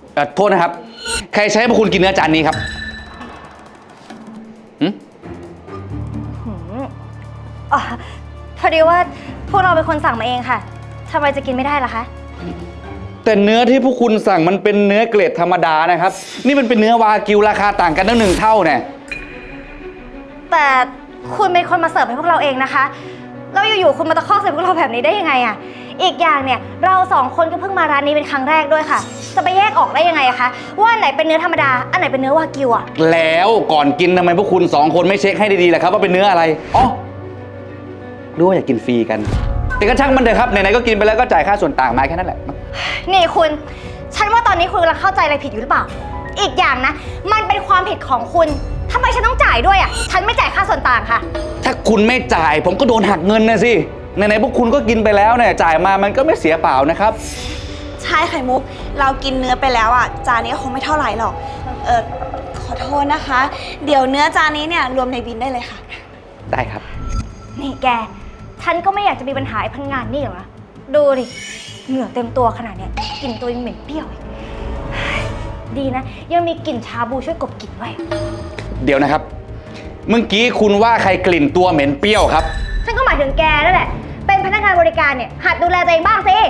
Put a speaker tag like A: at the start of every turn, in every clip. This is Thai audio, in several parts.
A: โทษนะครับ ใครใช้ให้พวกคุณกินเนื้อจานนี้ครับ
B: อ๋อพอดีว่าพวกเราเป็นคนสั่งมาเองค่ะทำไมจะกินไม่ได้ล่ะคะ
A: แต่เนื้อที่พวกคุณสั่งมันเป็นเนื้อเกรดธรรมดานะครับ นี่มันเป็นเนื้อวากิวราคาต่างกันตั้ง1 เท่าเนี่ย
B: แต่คุณเป็นคนมาเสิร์ฟให้พวกเราเองนะคะแล้วอยู่ๆคุณมาตะคอกใส่พวกเราแบบนี้ได้ยังไงอะอีกอย่างเนี่ยเรา2 คนก็เพิ่งมาร้านนี้เป็นครั้งแรกด้วยค่ะ จะไปแยกออกได้ยังไงอะคะว่าอันไหนเป็นเนื้อธรรมดาอันไหนเป็นเนื้อวากิวอะ
A: แล้วก่อนกินทำไมพวกคุณ2 คนไม่เช็คให้ดีๆล่ะครับว่าเป็นเนื้ออะไรอ๋อรู้ว่าอยากกินฟรีกันแต่ก็ช่างมันเถอะครับไหนๆก็กินไปแล้วก็จ่ายค่าส่วนต่างมาแค่นั้นแหละ
B: นี่คุณฉันว่าตอนนี้คุณกำลังเข้าใจอะไรผิดอยู่หรือเปล่าอีกอย่างนะมันเป็นความผิดของคุณทำไมฉันต้องจ่ายด้วยอ่ะฉันไม่จ่ายค่าส่วนต่างค่ะ
A: ถ้าคุณไม่จ่ายผมก็โดนหักเงินนะสิไหนๆพวกคุณก็กินไปแล้วเนี่ยจ่ายมามันก็ไม่เสียเปล่านะครับ
C: ใช่ไข่มุกเรากินเนื้อไปแล้วอ่ะจานนี้คงไม่เท่าไหร่หรอกขอโทษนะคะเดี๋ยวเนื้อจานนี้เนี่ยรวมในบินได้เลยค่ะ
A: ได้ครับ
B: นี่แกฉันก็ไม่อยากจะมีปัญหาไอ้พนักงานนี่หรอกนะดูดิเหงื่อเต็มตัวขนาดเนี้ยกลิ่นตัวยังเหม็นเปรี้ยวอีกดีนะยังมีกลิ่นชาบูช่วยกลบกลิ่นไว้
A: เดี๋ยวนะครับเมื่อกี้คุณว่าใครกลิ่นตัวเหม็นเปรี้ยวครับ
B: ฉันก็หมายถึงแกนั่นแหละเป็นพนักงานบริการเนี่ยหัดดูแลตัวเองบ้างสิ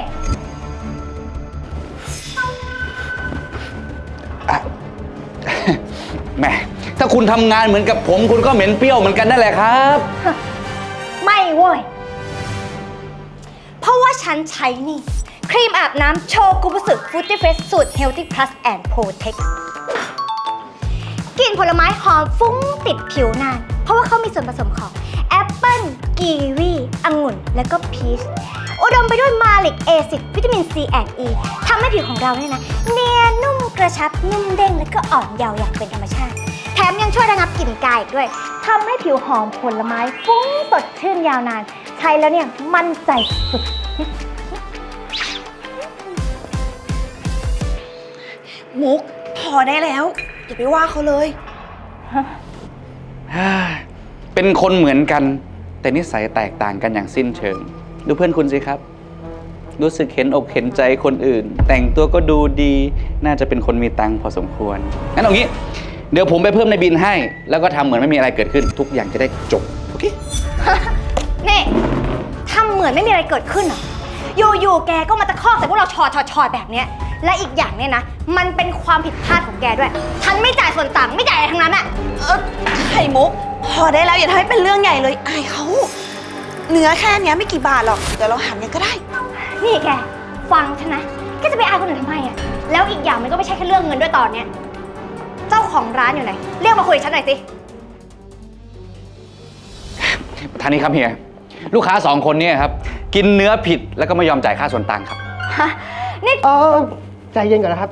A: แหมถ้าคุณทำงานเหมือนกับผมคุณก็เหม็นเปรี้ยวเหมือนกันนั่นแหละครับ
B: ไม่เว้ยเพราะว่าฉันใช้นี่ครีมอาบน้ำโชกุบุสึฟูตี้เฟรชสูตร Healthy Plus and Protect กลิ่นผลไม้หอมฟุ้งติดผิวนานเพราะว่าเขามีส่วนผสมของแอปเปิ้ลกีวีองุ่นและก็พีชอุดมไปด้วยมาลิกแอซิดวิตามิน C and E ทำให้ผิวของเราเนี่ยนะเนียนนุ่มกระชับนุ่มเด้งและก็อ่อนเยาว์อย่างเป็นธรรมชาติแถมยังช่วยระงับกลิ่นกายอีกด้วยทำให้ผิวหอมผลไม้ฟุ้งสดชื่นยาวนานใช้แล้วเนี่ยมั่นใจสุด
C: มุกพอได้แล้วอย่าไปว่าเขาเลย
A: เป็นคนเหมือนกันแต่นิสัยแตกต่างกันอย่างสิ้นเชิงดูเพื่อนคุณสิครับรู้สึกเห็นอกเห็นใจคนอื่นแต่งตัวก็ดูดีน่าจะเป็นคนมีตังค์พอสมควรงั้นเอางี้เดี๋ยวผมไปเพิ่มในบินให้แล้วก็ทำเหมือนไม่มีอะไรเกิดขึ้นทุกอย่างจะได้จบโอเค
B: นี่ทำเหมือนไม่มีอะไรเกิดขึ้นเหรออยู่ๆแกก็มาตะคอกใส่พวกเราชอแบบเนี้ยและอีกอย่างเนี่ยนะมันเป็นความผิดพลาดของแกด้วยฉันไม่จ่ายส่วนต่างไม่จ่ายอะไรทั้งนั้นอะ
C: ไข่มุกพอได้แล้วอย่าทำให้เป็นเรื่องใหญ่เลยอายเขาเนื้อแค่นี้ไม่กี่บาทหรอกเดี๋ยวเราหันกันก็ได้
B: นี่แกฟังฉันนะแกจะไปอายคนอื่นทำไมอะแล้วอีกอย่างมันก็ไม่ใช่แค่เรื่องเงินด้วยตอนเนี้ยเจ้าของร้านอยู่ไหนเรียกมาคุยกับฉันหน่อยสิ
A: ท่านนี้ครับเฮียลูกค้า2 คนเนี่ยครับกินเนื้อผิดแล้วก็ไม่ยอมจ่ายค่าส่วนต่างครับ
B: ฮะนี่
D: ใจเย็นก่อนนะครับ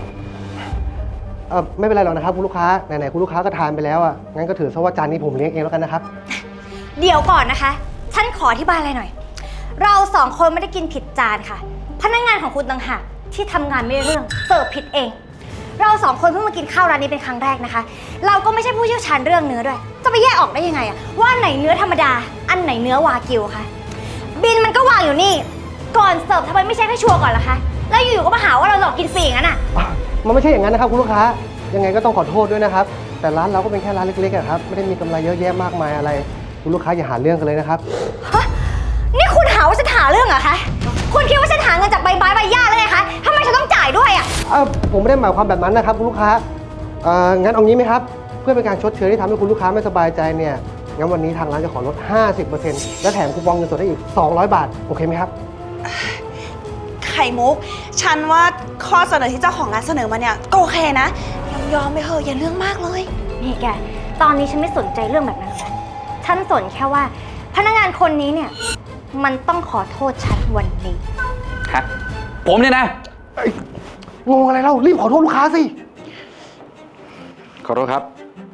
D: ไม่เป็นไรหรอกนะครับคุณลูกค้าไหนๆคุณลูกค้าก็ทานไปแล้วอ่ะงั้นก็ถือซะว่าจานนี้ผมเลี้ยงเองแล้วกันนะครับ
B: เดี๋ยวก่อนนะคะฉันขออธิบายอะไรหน่อยเรา2 คนไม่ได้กินผิดจานค่ะพนักงานของคุณต่างหากที่ทำงานไม่ได้เรื่องเสิร์ฟผิดเองเรา2 คนเพิ่งมากินข้าวร้านนี้เป็นครั้งแรกนะคะเราก็ไม่ใช่ผู้เชี่ยวชาญเรื่องเนื้อด้วยจะไปแยกออกได้ยังไงอะว่าไหนเนื้อธรรมดาอันไหนเนื้อวากิวคะบินมันก็วางอยู่นี่ก่อนเสิร์ฟทำไมไม่เช็คให้ชัวร์ก่อนล่ะคะแล้วอยู่ๆก็มาหาว่าเราหลอกกินฟรีอย่างนั้นอะ
D: มันไม่ใช่อย่างนั้นนะครับคุณลูกค้ายังไงก็ต้องขอโทษด้วยนะครับแต่ร้านเราก็เป็นแค่ร้านเล็กๆครับไม่ได้มีกำไรเยอะแยะมากมายอะไรคุณลูกค้าอย่าหาเรื่องกันเลยนะครับ
B: ฮะนี่คุณหาว่าฉันหาเรื่องเหรอคะคุณคิดว่าฉันหาเงินจากใบไม้ใบหญ้าเลยไงคะทำไมฉันต้องจ่ายด้วยอะ
D: ผมไม่ได้หมายความแบบนั้นนะครับคุณลูกค้างั้นเอางี้ไหมครับเพื่อเป็นการชดเชยที่ทำให้คุณลูกค้าไม่สบายใจเนี่ยงั้นวันนี้ทางร้านจะขอลด 50% และแถมคูปองเงินสดให้อีก200 บาทโอเคไหมครับ
C: ไข่มุกฉันว่าข้อเสนอที่เจ้าของร้านเสนอมาเนี่ยก็โอเคนะยอมไปเถอะอย่าเรื่องมากเลย
B: นี่แกตอนนี้ฉันไม่สนใจเรื่องแบบนั้นแล้วฉันสนแค่ว่าพนักงานคนนี้เนี่ยมันต้องขอโทษฉันวันนี้
A: ฮะผมเนี่ยนะ
D: งงอะไรเล่ารีบขอโทษลูกค้าสิ
A: ขอโทษครับ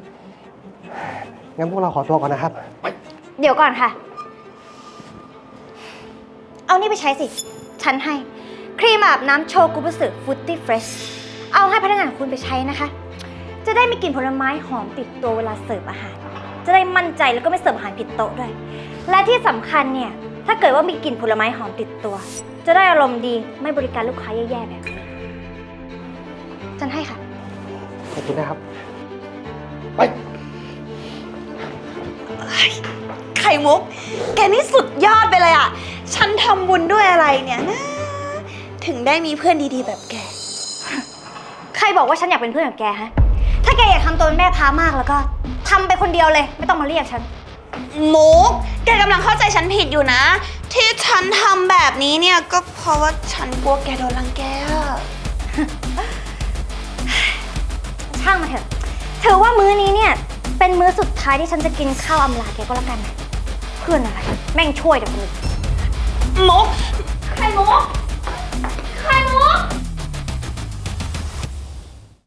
D: งั้นพวกเราขอตัวก่อนนะครับ
B: เดี๋ยวก่อนค่ะเอานี่ไปใช้สิฉันให้ครีมอาบน้ำโชกุบุสึฟูตี้เฟรชเอาให้พนักงานคุณไปใช้นะคะจะได้มีกลิ่นผลไม้หอมติดตัวเวลาเสิร์ฟอาหารจะได้มั่นใจแล้วก็ไม่เสิร์ฟอาหารผิดโต๊ะด้วยและที่สำคัญเนี่ยถ้าเกิดว่ามีกลิ่นผลไม้หอมติดตัวจะได้อารมณ์ดีไม่บริการลูกค้าแย่ๆแบบนี้ฉันให้ค่ะ
D: ขอบคุณนะครับ ไป
C: ไข่มุก แกนี่สุดยอดไปเลยอะฉันทำบุญด้วยอะไรเนี่ยนะ ถึงได้มีเพื่อนดีๆแบบแก
B: ใครบอกว่าฉันอยากเป็นเพื่อนกับแกฮะ ถ้าแกอยากทำตัวเป็นแม่พามากแล้วก็ทำไปคนเดียวเลย ไม่ต้องมาเรียกฉัน
C: มุก แกกำลังเข้าใจฉันผิดอยู่นะ ที่ฉันทำแบบนี้เนี่ยก็เพราะว่าฉันกลัวแกโดนรังแกอะ
B: ช่างมาเถอะ ถือว่ามื้อนี้เนี่ย เป็นมื้อสุดท้ายที่ฉันจะกินข้าวอำลาแกก็แล้วกันนะเพื่อนอะไร แม่งช่วยแต่คนอื่น
C: มุก
B: ใครมุก